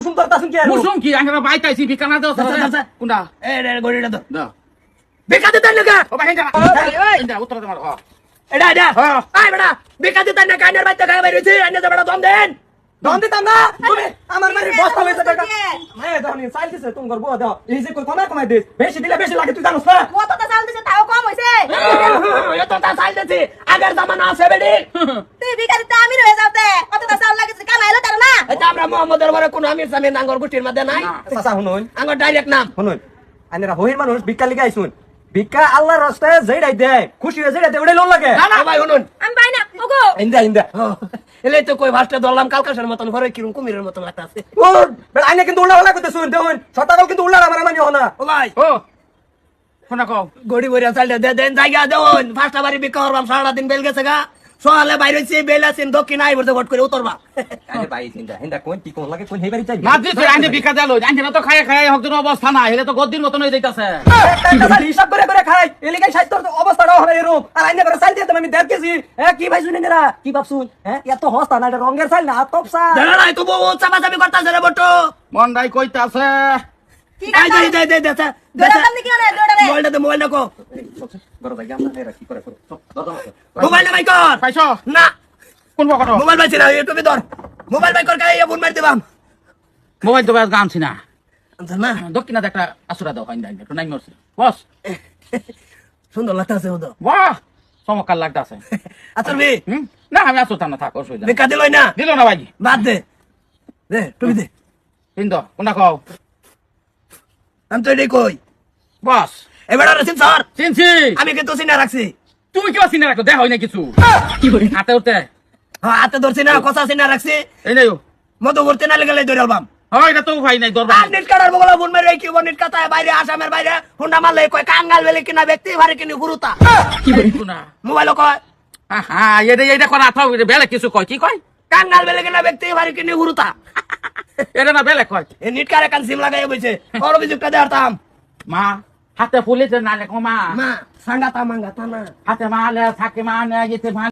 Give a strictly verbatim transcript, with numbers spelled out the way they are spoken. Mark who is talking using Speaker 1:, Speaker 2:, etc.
Speaker 1: সুন্দর তাসুন কি
Speaker 2: মুসুম কি আমরা বাইতাইছি বিকানা দাও কোনটা
Speaker 1: এ রে গড়িটা দাও
Speaker 2: দাও
Speaker 1: বেকাতে তাই না
Speaker 2: ও ভাই এটা এটা উত্তর দে মার হ
Speaker 1: এটা এটা আই বেটা বেকাতে তাই না কাইনার বাইতে গায় বাইরেছে আইনা দে বেটা দম দেন দম দিতাম না তুমি আমার মারি বস্তা হইছে টাকা হ্যাঁ দাও নি সাইল দিছে তুমি করবো দাও এই যে কই কমা কমাই দিস বেশি দিলে বেশি লাগে তুই জানোস না
Speaker 3: কতটা চাল দিছে তাও কম হইছে
Speaker 1: এতটা সাইল দিছি আগের জামানা আছে বেডি
Speaker 3: তুই ভিখারিতে আমির হয়ে যাওতে কতটা চাল লাগিছে কামাইলো তার না
Speaker 1: এটা আমরা মোহাম্মদের ঘরে কোন আমির সামনে নাঙ্গর গুটির মধ্যে নাই চাচা শুনুন আঙ্গর ডাইরেক্ট নাম শুনুন আইনারা হইর মানুষ ভিক্ষা লিগে আইছুন ভিক্ষা আল্লাহর রাস্তায় যেইডাই দেয় খুশি হয়ে যেইডাই দেয় ওইডাই লোন লাগে না না ভাই শুনুন
Speaker 3: আমি পাই না ওগো
Speaker 1: ইন্দা ইন্দা এলে তো কই ভাষটা ধরলাম কালকাশের মতন ঘরে কিরম কুমিরের মতন লাগতাছে ও আইনা কিন্তু উল্টা হলা কইতে শুন দেখুন সতাকাল কিন্তু উল্টা আমার মানি হনা ও ভাই
Speaker 2: ও শোনা কও
Speaker 1: গড়ি বড়িয়া চাইলে দে দেন জায়গা দেউন ফার্স্ট বাড়ি বিকা করবাম সারা দিন বেল গেছে গা সোয়ালে বাইরে হইছে বেল আছেন দক্ষিণ আই বলতে গট করে উতরবা আরে ভাই চিন্তা হিন্দা কোন কি কোন লাগে কোন হেই বাড়ি চাই
Speaker 2: না দিছে আইনে বিকা দেলো আইনে তো খায় খায় হকজন অবস্থা না হেলে তো গদ্দির মতন হয়ে যাইতাছে
Speaker 1: হিসাব করে করে খাই এলিগাই সাহিত্যর অবস্থাটা হবে এরকম আর আইনে করে চাইতে আমি দেখ গেছি হ্যাঁ কি ভাই শুনে নেরা কি ভাবছুন হ্যাঁ এত হস্তা না এটা রঙের চাইল না তপসা জানা নাই তো বউ চাপা চাপি করতাছে রে বটো
Speaker 2: মন্ডাই কইতাছে
Speaker 3: কি
Speaker 1: আই দে দে দে দে
Speaker 3: দৌড়া তুমি কি করে দৌড়া রে
Speaker 1: মোবাইলটা দে মোবাইলটা কো বড় ভাই আমরা এরা কি করে করে মোবাইল ভাই কর
Speaker 2: পাইছো
Speaker 1: না
Speaker 2: কোন বকট
Speaker 1: মোবাইল ভাই ছিনা ইউটিউবে ধর মোবাইল ভাই কর কাই ফোন মার দিবাম
Speaker 2: মোবাইল তো বাস গানছি না
Speaker 1: না
Speaker 2: দক্ষিণাতে একটা আসুরা দাও আইন আইন একটু নাই মরছে বস
Speaker 1: সুন্দর লাগতাছে ও তো
Speaker 2: বাহ চমৎকার লাগতাছে
Speaker 1: আচ্ছা বে
Speaker 2: হুম না আমি আসতাম না থাক অসুবিধা
Speaker 1: বেকা দিলই না
Speaker 2: দিল না ভাই
Speaker 1: বাদ দে দে তুমি দে
Speaker 2: হিন্দ কোনটা কও
Speaker 1: আমি তো এটাই কই
Speaker 2: বস
Speaker 1: এবার রসিদ স্যার
Speaker 2: চিনছি
Speaker 1: আমি কিন্তু চিনা রাখছি
Speaker 2: তুমি কেউ চিনে রাখো দেখ হয় না কিছু
Speaker 1: কি করে
Speaker 2: হাতে উঠতে
Speaker 1: হ্যাঁ হাতে ধরছি না কথা চিনা রাখছি
Speaker 2: এই নাই
Speaker 1: মতো করতে না লেগে ধরে আলবাম
Speaker 2: হয় এটা তো ভাই নাই দরবার
Speaker 1: আর নেট কাটার বগলা ফোন মেরে কি নেট কাটায় বাইরে আসামের বাইরে হুন্ডা মারলে কয় কাঙ্গাল বেলে কিনা ব্যক্তি ভারে কিনি গুরুতা
Speaker 2: কি বলছো না
Speaker 1: মোবাইল কয়
Speaker 2: হ্যাঁ এটা এটা করা থাও বেলে কিছু কয় কি কয়
Speaker 1: কাঙ্গাল বেলে কিনা ব্যক্তি ভারে কিনি গুরুতা
Speaker 2: এটা না বেলে কয়
Speaker 1: এ নেট কারে কান সিম লাগাই বইছে বড় অভিযোগটা দেরতাম
Speaker 2: মা হাতে ফুলেছে না লেখো মা
Speaker 1: মা সাঙ্গাতা মাঙ্গাতা না
Speaker 2: হাতে মালে থাকে মা না যেতে